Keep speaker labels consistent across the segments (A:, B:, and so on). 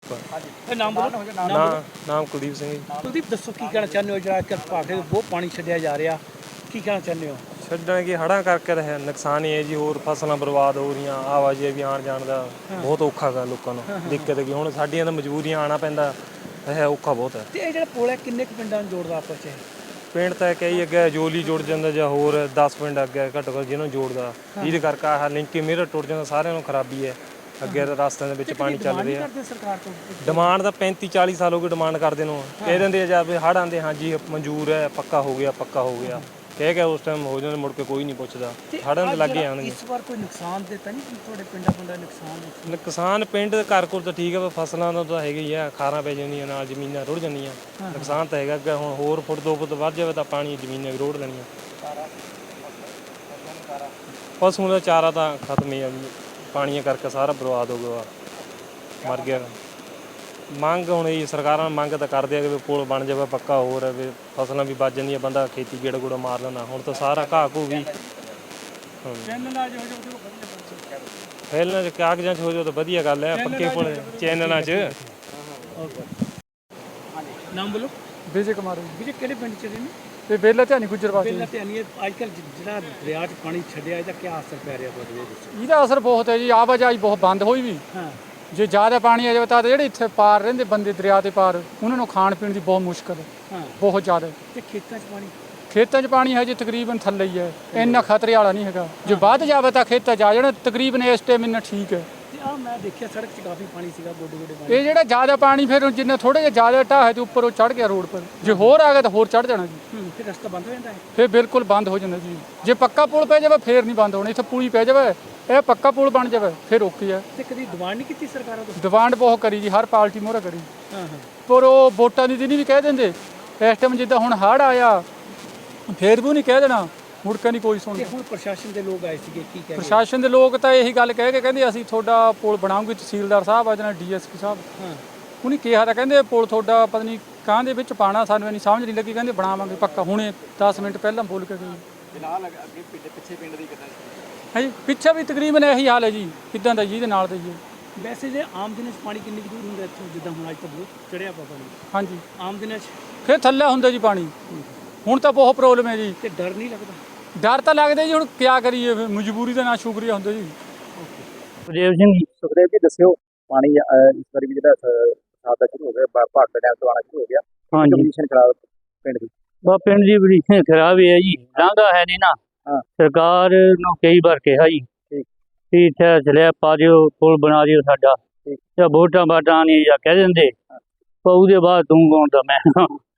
A: ਇਹ ਨਾਮ ਬੋਲੋ।
B: ਨਾਮ ਕੁਲਦੀਪ ਸਿੰਘ ਜੀ।
A: ਕੁਲਦੀਪ ਦੱਸੋ ਕੀ ਕਹਿਣਾ ਚਾਹੁੰਦੇ ਹੋ, ਜਿਹੜਾ ਕਿ ਭਾਖੜੇ ਬਹੁਤ ਪਾਣੀ ਛੱਡਿਆ ਜਾ ਰਿਹਾ, ਕੀ ਕਹਿਣਾ ਚਾਹੁੰਦੇ ਹੋ?
B: ਛੱਡਣ ਕਿ ਹੜ੍ਹਾਂ ਕਰਕੇ ਤਾਂ ਹੈ ਨੁਕਸਾਨ ਹੀ ਹੈ ਜੀ, ਹੋਰ ਫਸਲਾਂ ਬਰਬਾਦ ਹੋ ਰਹੀਆਂ, ਆਵਾਜਾਈ ਵੀ ਆਉਣ ਜਾਣ ਦਾ ਬਹੁਤ ਔਖਾ ਗਾ ਲੋਕਾਂ ਨੂੰ, ਦਿੱਕਤ ਹੈਗੀ। ਹੁਣ ਸਾਡੀਆਂ ਤਾਂ ਮਜਬੂਰੀਆਂ ਆਉਣਾ ਪੈਂਦਾ ਹੈ, ਔਖਾ ਬਹੁਤ ਹੈ।
A: ਤੇ ਇਹ ਜਿਹੜਾ ਪੁਲ ਹੈ ਕਿੰਨੇ ਕੁ ਪਿੰਡਾਂ ਨੂੰ ਜੋੜਦਾ ਆਪਸ 'ਚ?
B: ਪਿੰਡ ਤਾਂ ਕਈ ਅੱਗੇ ਜੋਲੀ ਜੁੜ ਜਾਂਦਾ ਜਾਂ ਹੋਰ 10 ਪਿੰਡ ਅੱਗੇ ਘੱਟੋ ਘੱਟ ਜਿਹਨੂੰ ਜੋੜਦਾ, ਜਿਹਦੇ ਕਰਕੇ ਆਹ ਲਿੰਕ ਮੇਰਾ ਟੁੱਟ ਜਾਂਦਾ, ਸਾਰਿਆਂ ਨੂੰ ਖਰਾਬੀ ਹੈ। ਅੱਗੇ ਰਸਤਿਆਂ ਦੇ ਵਿੱਚ ਪਾਣੀ ਚੱਲ ਰਿਹਾ।
A: ਸਰਕਾਰ ਤੋਂ
B: ਡਿਮਾਂਡ ਤਾਂ 35-40 ਸਾਲ ਹੋ ਗਏ ਡਿਮਾਂਡ ਕਰਦੇ ਨੂੰ, ਕਹਿ ਦਿੰਦੇ ਆ ਜਾਂ ਵੀ ਹੜ੍ਹ ਆਉਂਦੇ ਹਾਂਜੀ ਮਨਜ਼ੂਰ ਹੈ, ਪੱਕਾ ਹੋ ਗਿਆ ਪੱਕਾ ਹੋ ਗਿਆ ਕਹਿ ਕੇ ਉਸ ਟਾਈਮ ਹੋ ਜਾਂਦੇ, ਮੁੜ ਕੇ ਕੋਈ ਨਹੀਂ ਪੁੱਛਦਾ। ਹੜ੍ਹਾਂ ਦੇ ਲੱਗੇ ਆਉਣਗੇ।
A: ਇਸ ਵਾਰ ਕੋਈ ਨੁਕਸਾਨ ਦਿੱਤਾ ਨਹੀਂ ਤੁਹਾਡੇ ਪਿੰਡਾਂ ਨੁਕਸਾਨ?
B: ਨੁਕਸਾਨ ਪਿੰਡ ਘਰ ਕੋਲ ਤਾਂ ਠੀਕ ਹੈ, ਫਸਲਾਂ ਦਾ ਤਾਂ ਹੈਗਾ ਹੀ ਆ, ਖਾਰਾਂ ਪੈ ਜਾਂਦੀਆਂ ਨਾਲ, ਜ਼ਮੀਨਾਂ ਰੁੜ ਜਾਂਦੀਆਂ, ਨੁਕਸਾਨ ਤਾਂ ਹੈਗਾ। ਅੱਗੇ ਹੁਣ ਹੋਰ ਫੁੱਟ 2 ਫੁੱਟ ਵੱਧ ਜਾਵੇ ਤਾਂ ਪਾਣੀ ਜ਼ਮੀਨਾਂ ਵੀ ਰੋੜ ਲੈਣੀਆਂ। ਪਸ਼ੂਆਂ ਦਾ ਚਾਰਾ ਤਾਂ ਖਤਮ ਹੀ ਆ, ਪਾਣੀਆਂ ਕਰਕੇ ਸਾਰਾ ਬਰਬਾਦ ਹੋ ਗਿਆ, ਮਰ ਗਿਆ। ਮੰਗ ਹੁਣ ਇਹ ਸਰਕਾਰਾਂ ਮੰਗ ਤਾਂ ਕਰਦੇ ਆ ਕਿ ਪੁਲ ਬਣ ਜਾਵੇ ਪੱਕਾ, ਹੋਰ ਵੀ ਫਸਲਾਂ ਵੀ ਬਚ ਜਾਂਦੀਆਂ, ਬੰਦਾ ਖੇਤੀ ਗੇੜਾ ਗੂੜਾ ਮਾਰ ਲੈਂਦਾ। ਹੁਣ ਤਾਂ ਸਾਰਾ ਘਾਹ ਘੂ ਵੀ ਫੈਲਣਾ ਚ ਕਾਗਜ਼ਾਂ 'ਚ ਹੋ ਜਾਓ ਤਾਂ ਵਧੀਆ ਗੱਲ ਹੈ, ਪੱਕੇ ਪੁਲ ਚੈਨਲਾਂ 'ਚ।
A: ਨਾਮ ਬੋਲੋ।
C: ਵਿਜੇ ਕੁਮਾਰ
A: ਵੀਰੇ ਕਿਹੜੇ ਪਿੰਡ 'ਚ ਰਹਿੰਦੇ?
C: ਤੇ ਬੇਲਾ ਧਿਆਨੀ ਗੁਜਰਵਾਸੀ।
A: ਪਹਿਲਾਂ ਤੇ ਨਹੀਂ, ਅੱਜ ਕੱਲ੍ਹ ਜਿਹੜਾ ਦਰਿਆ 'ਚ ਪਾਣੀ ਛੱਡਿਆ, ਇਹਦਾ ਕੀ ਅਸਰ ਪੈ ਰਿਹਾ ਤੁਹਾਡੇ ਵਿੱਚ?
C: ਇਹਦਾ ਅਸਰ ਬਹੁਤ ਹੈ ਜੀ, ਆਵਾਜਾਈ ਬਹੁਤ ਬੰਦ ਹੋਈ ਵੀ।
A: ਹਾਂ,
C: ਜੇ ਜ਼ਿਆਦਾ ਪਾਣੀ ਆ ਜਾਵੇ ਤਾਂ ਜਿਹੜੇ ਇੱਥੇ ਪਾਰ ਰਹਿੰਦੇ ਬੰਦੇ ਦਰਿਆ ਦੇ ਪਾਰ, ਉਹਨਾਂ ਨੂੰ ਖਾਣ ਪੀਣ ਦੀ ਬਹੁਤ ਮੁਸ਼ਕਲ ਹੈ,
A: ਹਾਂ।
C: ਬਹੁਤ ਜ਼ਿਆਦਾ।
A: ਤੇ ਖੇਤਾਂ 'ਚ ਪਾਣੀ?
C: ਖੇਤਾਂ 'ਚ ਪਾਣੀ ਹੈ ਜੀ ਤਕਰੀਬਨ ਥੱਲੇ ਹੀ ਹੈ, ਇੰਨਾ ਖਤਰੇ ਵਾਲਾ ਨਹੀਂ ਹੈਗਾ। ਜੇ ਵੱਧ ਜਾਵੇ ਤਾਂ ਖੇਤਾਂ 'ਚ ਆ ਜਾਣਾ, ਤਕਰੀਬਨ ਇਸ ਟਾਈਮ ਇੰਨਾ ਠੀਕ ਹੈ।
A: ਤੇ ਆਹ ਮੈਂ ਦੇਖਿਆ ਸੜਕ 'ਚ ਕਾਫੀ ਪਾਣੀ ਸੀਗਾ, ਗੋਡੇ ਗੋਡੇ ਪਾਣੀ।
C: ਇਹ ਜਿਹੜਾ ਜ਼ਿਆਦਾ ਪਾਣੀ ਫਿਰ ਜਿੰਨਾ ਥੋੜਾ ਜਿਹਾ ਜ਼ਿਆਦਾ ਢਾਹ ਹੈ ਤੇ ਉੱਪਰ ਉਹ ਚੜ ਗਿਆ ਰੋਡ ਪਰ, ਜੇ ਹੋਰ ਆ ਗਿਆ ਤਾਂ ਹੋਰ ਚੜ ਜਾਣਾ ਜੀ।
A: ਫਿਰ ਰਸਤਾ ਬੰਦ ਹੋ ਜਾਂਦਾ ਹੈ?
C: ਫਿਰ ਬਿਲਕੁਲ ਬੰਦ ਹੋ ਜਾਂਦਾ ਜੀ। ਜੇ ਪੱਕਾ ਪੁਲ ਪੈ ਜਾਵੇ ਫਿਰ ਨਹੀਂ ਬੰਦ ਹੋਣਾ, ਇੱਥੇ ਪੁਲੀ ਪੈ ਜਾਵੇ, ਇਹ ਪੱਕਾ ਪੁਲ ਬਣ ਜਾਵੇ ਫਿਰ ਓਕੇ ਹੈ।
A: ਤੇ ਕਦੀ ਡਿਮਾਂਡ ਨਹੀਂ ਕੀਤੀ ਸਰਕਾਰਾਂ ਤੋਂ?
C: ਡਿਮਾਂਡ ਬਹੁਤ ਕਰੀ ਜੀ, ਹਰ ਪਾਰਟੀ ਮੋਹਰਾ ਕਰੀ,
A: ਹਾਂ ਹਾਂ।
C: ਪਰ ਉਹ ਵੋਟਾਂ ਦੀ ਦਿਨ ਵੀ ਕਹਿ ਦਿੰਦੇ। ਇਸ ਟਾਈਮ ਜਿੱਦਾਂ ਹੁਣ ਹੜ੍ਹ ਆਇਆ ਫੇਰ ਵੀ ਨਹੀਂ ਕਹਿ ਦੇਣਾ, ਮੁੜ ਕੇ ਨਹੀਂ ਕੋਈ ਸੁਣਦਾ।
A: ਤੇ ਹੁਣ ਪ੍ਰਸ਼ਾਸਨ ਦੇ ਲੋਕ ਆਏ ਸੀਗੇ, ਕੀ ਕਹਿੰਦੇ?
C: ਪ੍ਰਸ਼ਾਸਨ ਦੇ ਲੋਕ ਤਾਂ ਇਹੀ ਗੱਲ ਕਹਿ ਕੇ ਕਹਿੰਦੇ ਅਸੀਂ ਤੁਹਾਡਾ ਪੁਲ ਬਣਾਉਂਗੇ, ਤਹਿਸੀਲਦਾਰ ਸਾਹਿਬ ਆ ਜਾਣਾ, ਡੀਐਸਪੀ ਸਾਹਿਬ।
A: ਹਾਂ,
C: ਉਹਨੇ ਕਿਹਾ ਤਾਂ ਕਹਿੰਦੇ ਪੁਲ ਤੁਹਾਡਾ ਪਤਾ ਨਹੀਂ ਕਾਂ ਦੇ ਵਿੱਚ ਪਾਣਾ, ਸਾਨੂੰ ਇੰਨੀ ਸਮਝ ਨਹੀਂ ਲੱਗੀ, ਕਹਿੰਦੇ ਬਣਾਵਾਂਗੇ ਪੱਕਾ, ਹੁਣੇ 10 ਮਿੰਟ ਪਹਿਲਾਂ ਬੋਲ ਕੇ ਗਏ।
A: ਅੱਗੇ ਪਿੱਛੇ ਪਿੰਡ ਦੀ ਕਿੱਦਾਂ?
C: ਹੈ ਜੀ, ਪਿੱਛੇ ਵੀ ਤਕਰੀਬਨ ਇਹੀ ਹਾਲ ਹੈ ਜੀ, ਕਿੱਦਾਂ ਦਾ ਜਿਹਦੇ ਨਾਲ ਦਾ ਜੀ।
A: ਵੈਸੇ ਜੇ ਆਮ ਦਿਨਾਂ 'ਚ ਪਾਣੀ ਕਿੰਨੀ ਕੁ ਦੂਰ ਹੁੰਦਾ ਇੱਥੋਂ, ਜਿੱਦਾਂ ਹੁਣ ਅੱਜ ਤਾਂ ਬਹੁਤ ਚੜਿਆ ਪਿਆ ਪਾਣੀ?
C: ਹਾਂਜੀ,
A: ਆਮ ਦਿਨਾਂ 'ਚ
C: ਫਿਰ ਥੱਲੇ ਹੁੰਦਾ ਜੀ ਪਾਣੀ, ਹੁਣ ਤਾਂ ਬਹੁਤ ਪ੍ਰੋਬਲਮ ਹੈ ਜੀ।
A: ਤੇ ਡਰ ਨਹੀਂ ਲੱਗਦਾ?
C: ਡਰ ਤਾਂ ਲੱਗਦਾ ਜੀ, ਹੁਣ ਕਿਆ ਕਰੀਏ, ਫਿਰ ਮਜਬੂਰੀ ਦਾ ਨਾ ਸ਼ੁਕਰੀਆ ਹੁੰਦਾ ਜੀ।
D: ਸੁਖਦੇਵ ਸਿੰਘ ਜੀ। ਸੁਖਦੇਵ ਜੀ ਦੱਸਿਓ, ਪਾਣੀ ਇਸ ਵਾਰੀ ਵੀ ਜਿਹੜਾ ਬਰਸਾਤ ਦਾ ਸ਼ੁਰੂ ਹੋ ਗਿਆ, ਭਾਰਤ ਡੈਮ ਤੋਂ ਆਉਣਾ ਸ਼ੁਰੂ ਹੋ ਗਿਆ।
E: ਹਾਂਜੀ,
D: ਕੰਡੀਸ਼ਨ ਖਰਾਬ ਪਿੰਡ ਦੀ?
E: ਬਾ ਪਿੰਡ ਦੀ ਪੋਜੀਸ਼ਨ ਖਰਾਬ ਹੈ ਜੀ, ਲਾਂਘਾ ਹੈ ਨਹੀਂ ਨਾ।
D: ਹਾਂ।
E: ਸਰਕਾਰ ਨੂੰ ਕਈ ਵਾਰ ਕਿਹਾ ਜੀ
D: ਠੀਕ।
E: ਵੀ ਇੱਥੇ ਸਲੈਬ ਪਾ ਦਿਓ, ਪੁਲ ਬਣਾ ਦਿਓ ਸਾਡਾ,
D: ਠੀਕ।
E: ਜਾਂ ਵੋਟਾਂ ਬਾਟਾਂ ਨਹੀਂ ਜਾਂ ਕਹਿ ਦਿੰਦੇ, ਪਰ ਉਹਦੇ ਬਾਅਦ ਤੂੰ ਕੌਣ ਤਾਂ ਮੈਂ।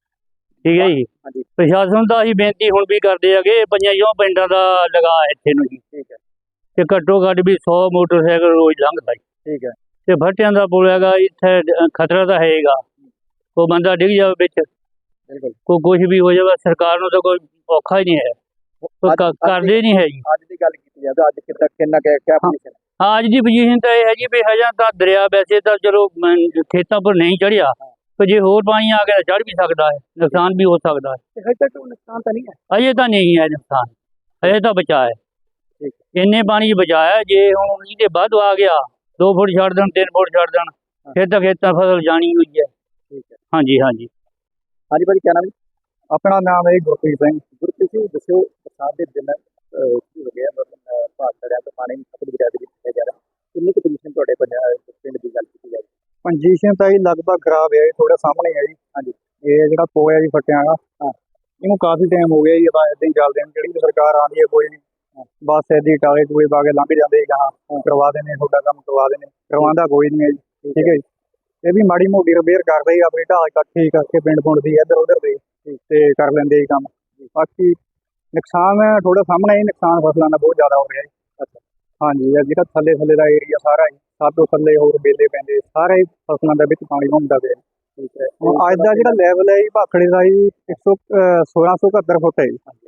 E: ਠੀਕ ਹੈ ਜੀ।
D: ਹਾਂਜੀ।
E: ਪ੍ਰਸ਼ਾਸਨ ਦਾ ਅਸੀਂ ਬੇਨਤੀ ਹੁਣ ਵੀ ਕਰਦੇ ਹੈਗੇ, 50 ਪਿੰਡਾਂ ਦਾ ਲਗਾ ਇੱਥੇ ਨੂੰ ਜੀ,
D: ਠੀਕ ਹੈ।
E: ਤੇ ਘੱਟੋ ਘੱਟ ਵੀ 100 ਮੋਟਰਸਾਈਕਲ ਰੋਜ਼ ਲੰਘਦਾ ਜੀ।
D: ਠੀਕ ਹੈ।
E: ਤੇ ਭੱਟਿਆਂ ਦਾ ਪੁਲ ਹੈਗਾ, ਇੱਥੇ ਖਤਰਾ ਤਾਂ ਹੈਗਾ, ਕੋਈ ਬੰਦਾ ਡਿੱਗ ਜਾਵੇ ਵਿੱਚ,
D: ਬਿਲਕੁਲ।
E: ਕੋਈ ਕੁਛ ਵੀ ਹੋ ਜਾਵੇ, ਸਰਕਾਰ ਨੂੰ ਤਾਂ ਕੋਈ ਔਖਾ ਹੀ ਨਹੀਂ ਹੈ, ਕੋਈ ਕਰਦੇ ਨਹੀਂ ਹੈ ਜੀ।
D: ਅੱਜ ਦੀ ਗੱਲ ਕੀਤੀ ਜਾਵੇ, ਅੱਜ ਕਿੰਨਾ ਕਿਆ ਪੋਜੀਸ਼ਨ?
E: ਹਾਂ, ਅੱਜ ਦੀ ਪੋਜੀਸ਼ਨ ਤਾਂ ਇਹ ਹੈ ਜੀ ਵੀ ਹਜੇ ਤਾਂ ਦਰਿਆ ਵੈਸੇ ਤਾਂ ਚਲੋ ਖੇਤਾਂ ਪਰ ਨਹੀਂ ਚੜਿਆ, ਪਰ ਜੇ ਹੋਰ ਪਾਣੀ ਆ ਗਿਆ ਚੜ ਵੀ ਸਕਦਾ ਹੈ, ਨੁਕਸਾਨ ਵੀ ਹੋ ਸਕਦਾ ਹੈ।
D: ਹਜੇ ਤੱਕ ਨੁਕਸਾਨ ਤਾਂ ਨਹੀਂ ਹੈ?
E: ਅਜੇ ਤਾਂ ਨਹੀਂ ਹੈ ਨੁਕਸਾਨ, ਹਜੇ ਤਾਂ ਬਚਾ ਹੈ।
D: ਠੀਕ।
E: ਇੰਨੇ ਪਾਣੀ 'ਚ ਬਚਾਇਆ, ਜੇ ਹੁਣ ਇਹਦੇ ਵੱਧ ਆ ਗਿਆ 2 ਫੁੱਟ ਛੱਡ ਦੇਣ, 3 ਫੁੱਟ ਛੱਡ ਦੇਣ, ਫਿਰ ਤਾਂ ਖੇਤਾਂ ਫਸਲ ਜਾਣੀ ਹੋਈ ਹੈ।
D: ਠੀਕ ਹੈ।
E: ਹਾਂਜੀ ਹਾਂਜੀ।
D: ਹਾਂਜੀ ਭਾਜੀ, ਕਿਆ ਨਾਮ ਜੀ? ਆਪਣਾ ਨਾਮ ਹੈ ਗੁਰਪ੍ਰੀਤ ਸਿੰਘ। ਗੁਰਪ੍ਰੀਤ ਸਿੰਘ ਦੱਸਿਓ, ਬਰਸਾਤ ਦੇ ਦਿਨ ਸ਼ੁਰੂ ਹੋ ਗਿਆ, ਮਤਲਬ ਭਾਰਤ ਡੈਮ ਤੋਂ ਪਾਣੀ ਸਤਲੁਜ ਦਰਿਆ ਦੇ ਵਿੱਚ ਛੱਡਿਆ ਜਾ ਰਿਹਾ, ਕਿੰਨੀ ਕੁ ਪੋਜੀਸ਼ਨ ਤੁਹਾਡੇ ਪਿੰਡ ਦੀ ਗੱਲ ਕੀਤੀ ਜਾਵੇ?
F: ਪੋਜੀਸ਼ਨ ਤਾਂ ਜੀ ਲਗਭਗ ਖਰਾਬ ਹੈ, ਥੋੜਾ ਸਾਹਮਣੇ ਹੈ ਜੀ।
D: ਹਾਂਜੀ।
F: ਇਹ ਜਿਹੜਾ ਪੋਇਆ ਜੀ ਫੱਟਿਆਂ ਦਾ, ਇਹਨੂੰ ਕਾਫੀ ਟਾਈਮ ਹੋ ਗਿਆ ਜੀ, ਆਪਾਂ ਏਦਾਂ ਹੀ ਚੱਲਦੇ ਹਾਂ, ਜਿਹੜੀ ਵੀ ਸਰਕਾਰ ਆਉਂਦੀ ਹੈ ਕੋਈ ਨਹੀਂ, ਬਸ ਏਦਾਂ ਹੀ ਟਾਲੇ ਟੂਏ ਪਾ ਕੇ ਲੰਘ ਜਾਂਦੇ ਜੀ, ਕਰਵਾ ਦਿੰਦੇ, ਤੁਹਾਡਾ ਕੰਮ ਕਰਵਾ ਦਿੰਦੇ, ਕਰਵਾਉਂਦਾ ਕੋਈ ਨਹੀਂ ਹੈ ਜੀ। ਠੀਕ ਹੈ ਜੀ। ਇਹ ਵੀ ਮਾੜੀ ਮੋਟੀ ਰਿਪੇਅਰ ਕਰਦੇ ਜੀ, ਆਪਣੀ ਢਾਲ ਇਕੱਠੀ ਕਰਕੇ ਪਿੰਡ ਪੁੰਡ ਦੀ ਇੱਧਰ ਉੱਧਰ ਦੇ, ਤੇ ਕਰ ਲੈਂਦੇ ਜੀ ਕੰਮ। ਬਾਕੀ ਨੁਕਸਾਨ ਥੋੜਾ ਸਾਹਮਣੇ ਹੀ, ਨੁਕਸਾਨ ਫਸਲਾਂ ਦਾ ਬਹੁਤ ਜ਼ਿਆਦਾ ਹੋ ਰਿਹਾ ਜੀ। ਅੱਛਾ। ਹਾਂਜੀ, ਜਿਹੜਾ ਥੱਲੇ ਦਾ ਏਰੀਆ ਸਾਰਾ ਹੀ, ਸਭ ਤੋਂ ਥੱਲੇ ਹੋਰ ਬੇਲੇ ਪੈਂਦੇ, ਸਾਰੇ ਫਸਲਾਂ ਦੇ ਵਿੱਚ ਪਾਣੀ ਘੁੰਮਦਾ ਪਿਆ। ਠੀਕ ਹੈ। ਹੁਣ ਅੱਜ ਦਾ ਜਿਹੜਾ ਲੈਵਲ ਹੈ ਜੀ ਭਾਖੜੇ ਦਾ ਜੀ 1671 ਫੁੱਟ ਹੈ ਜੀ।